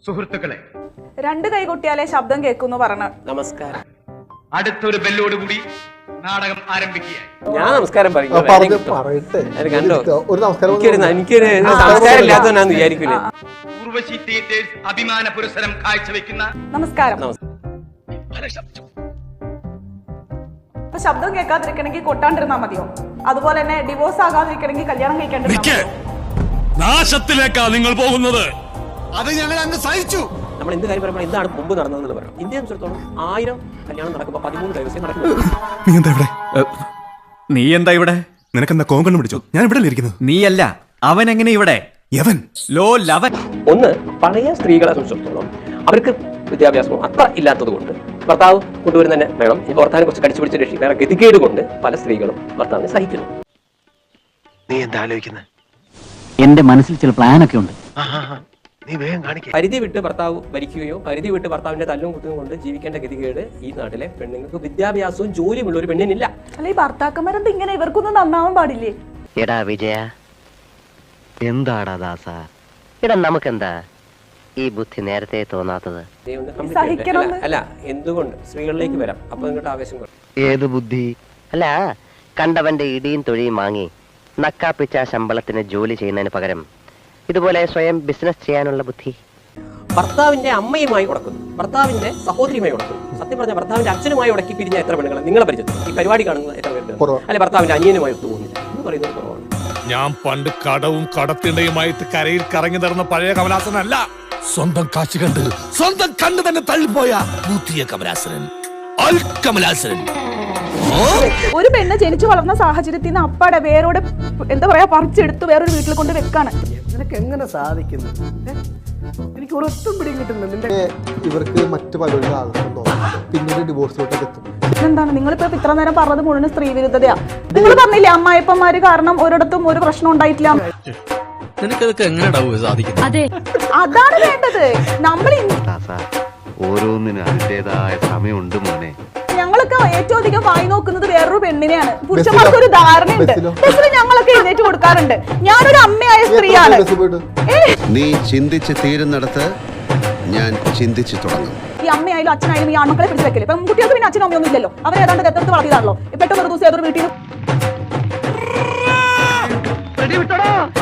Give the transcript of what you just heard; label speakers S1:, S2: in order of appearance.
S1: സുഹൃത്തുക്കളെ,
S2: രണ്ട് കൈ കൊട്ടിയാലേ ശബ്ദം കേൾക്കുന്നു പറഞ്ഞ
S3: നമസ്കാരം.
S1: അടുത്തൊരു ബെല്ലോടുകൂടി നാടകം ആരംഭിക്കുകയായി.
S3: ഞാൻ നമസ്കാരം പറയും. കണ്ടോ, എനിക്കൊരു സംസ്കാരം ഇല്ലാത്തവനാന്ന് വിചാരിക്കൂലേ.
S1: ഉർവശി തിയേറ്റേഴ്സ് അഭിമാന പുരസ്സരം കാഴ്ചവെക്കുന്ന
S2: നമസ്കാരം. അപ്പൊ ശബ്ദം കേൾക്കാതിരിക്കണമെങ്കിൽ കൊട്ടാണ്ടിരുന്നാ മതിയോ? അതുപോലെ തന്നെ ഡിവോഴ്സ് ആകാതിരിക്കണമെങ്കിൽ കല്യാണം കഴിക്കേണ്ട
S4: നാശത്തിലേക്കാ നിങ്ങൾ പോകുന്നത്. അത് ഞങ്ങൾ അങ്ങ് സഹിച്ചു.
S3: നമ്മൾ എന്ത് കാര്യം പറയുമ്പോൾ എന്താണ് മുമ്പ് നടന്നതെന്ന് പറയാം. ഇന്ത്യയെ സംബന്ധിച്ചിടത്തോളം 1000 കല്യാണം നടക്കുമ്പോൾ 13 ദിവസം നടക്കുന്നു.
S4: നീ എന്താ ഇവിടെ? നിനക്കെന്താ കോങ്കണ്ണ് പിടിച്ചോ? ഞാൻ ഇവിടെ ഇരിക്കുന്നത്. നീയല്ല, അവൻ എങ്ങനെ ഇവിടെ? യവൻ ലോ ലവൻ.
S3: ഒന്ന്, പഴയ സ്ത്രീകളെ സംബന്ധിച്ചിടത്തോളം അവർക്ക് വിദ്യാഭ്യാസം അത്ര ഇല്ലാത്തത് കൊണ്ട് ഭർത്താവ് കൊണ്ടുവരുന്ന തന്നെ വേണം. ഈ ഭർത്താവിനെ കുറിച്ച് കടിച്ചു പിടിച്ച് രക്ഷിക്കാൻ ഗതികേട് കൊണ്ട് പല സ്ത്രീകളും ഭർത്താവിനെ സഹിക്കുന്നു.
S5: നീ എന്താ ആലോചിക്കുന്നത്?
S6: എന്റെ മനസ്സിൽ ചില പ്ലാനൊക്കെ ഉണ്ട്.
S5: നീ വേഗം കാണിക്ക.
S3: പരിധി വിട്ട് ഭർത്താവ് ഭരിക്കുകയോ പരിധി വിട്ട് ഭർത്താവിന്റെ തല്ലും കുത്തും കൊണ്ട് ജീവിക്കേണ്ട ഗതികേട് ഈ നാട്ടിലെ പെണ്ണുങ്ങൾക്ക് വിദ്യാഭ്യാസവും ജോലിയുമുള്ള ഒരു പെണ്ണിനില്ല.
S2: അല്ല, ഈ ഭർത്താക്കന്മാരെന്ത് ഇങ്ങനെ? ഇവർക്കൊന്നും നന്നാവാൻ പാടില്ലേ?
S6: എടാ വിജയ, എന്താടാ ദാസ, എടാ നമുക്കെന്താ ഈ ബുദ്ധി നേരത്തെ തോന്നാത്തത്?
S3: അല്ല, എന്തുകൊണ്ട് സ്ത്രീകളിലേക്ക് വരാം. അപ്പൊ നിങ്ങളുടെ ആവേശം കുറയും.
S6: ഏത് ബുദ്ധി? അല്ല, കണ്ടവന്റെ ഇടിയും തൊഴിയും വാങ്ങി നക്കാപ്പിച്ച ശമ്പളത്തിന് ജോലി ചെയ്യുന്നതിന് പകരം ഇതുപോലെ സ്വയം ബിസിനസ് ചെയ്യാനുള്ള ബുദ്ധി.
S3: ഭർത്താവിന്റെ അമ്മയുമായി ഉടക്കുന്നു, ഭർത്താവിന്റെ സഹോദരിയുമായി ഉടക്കുന്നു. സത്യം പറഞ്ഞ ഭർത്താവിന്റെ അച്ഛനുമായി ഉടക്കി പിരിഞ്ഞ എത്ര പെണ്ണുങ്ങൾ നിങ്ങളെ പരിചയത്തിൽ ഈ പരിപാടി കാണുന്നത് എത്ര പേർക്ക്? അല്ലെ, ഭർത്താവിന്റെ അനിയനുമായി ഒത്തുപോകുന്നില്ല എന്ന് പറയുന്നത് കുറവാണ്.
S4: ഞാൻ പണ്ട് കടവും കടത്തിണ്ടയുമായിട്ട് കരയിൽ കറങ്ങി നടന്ന പഴയ കമലാസനല്ല. സ്വന്തം കാശ് കണ്ട് സ്വന്തം കണ്ണ് തന്നെ തള്ളിപ്പോയ ബുദ്ധിയ കമലാസനൻ, കമലാസനൻ.
S2: ഒരു പെണ്ണ് ജനിച്ചു വളർന്ന സാഹചര്യത്തിൽ നിന്ന് അപ്പാടെ വേരോടെ എന്താ പറയാ പറിച്ചെടുത്ത് വേറൊരു വീട്ടിൽ കൊണ്ട് വെക്കാണ്.
S7: നിനക്ക് എങ്ങനെ സാധിക്കുന്നു? എനിക്ക് ഒരൊത്തും പിടിയും കിട്ടുന്നില്ല. നിന്റെ ഇവർക്ക് മറ്റു പലരും ആഗ്രഹം തോന്നും, പിന്നീട് ഡിവോഴ്സിലോട്ടൊക്കെ എത്തും.
S2: എന്താണ് നിങ്ങളിപ്പോ ഇത്ര നേരം പറഞ്ഞത് മുഴുവൻ സ്ത്രീ വിരുദ്ധതയാ? നിങ്ങൾ പറഞ്ഞില്ലേ അമ്മായിപ്പന്മാര് കാരണം ഒരിടത്തും ഒരു പ്രശ്നം ഉണ്ടായിട്ടില്ല.
S4: നിനക്കതൊക്കെ എങ്ങനെ സാധിക്കും?
S2: അതാണ് വേണ്ടത്. നമ്മൾ
S5: ഓരോന്നിനും അതിൻ്റെതായ സമയമുണ്ട് മോനെ.
S2: ഞങ്ങളൊക്കെ ഏറ്റവും അധികം വായി നോക്കുന്നത് വേറൊരു പെണ്ണിനെയാണ്. പുരുഷന്മാർക്ക് ഒരു ധാരണയുണ്ട്. ഞങ്ങളൊക്കെ എഴുന്നേറ്റ് കൊടുക്കാറുണ്ട്. ഞാനൊരു അമ്മയായ സ്ത്രീയാണ്.
S5: നീ ചിന്തിച്ച് തീരുന്നിടത്ത് ഞാൻ ചിന്തിച്ചു തുടങ്ങും.
S2: ഈ അമ്മയായാലും അച്ഛനായാലും ഈ ആൺമക്കളെ പിടിച്ച് വെക്കല്. ഇപ്പം കുട്ടികൾക്ക് പിന്നെ അച്ഛനും അമ്മയൊന്നും ഇല്ലല്ലോ. അവരെ ഏതാണ്ട് ദത്തെടുത്ത് വളർത്തിയതാണല്ലോ. പെട്ടെന്ന് ഒരു ദിവസം ഏതൊരു വീട്ടിൽ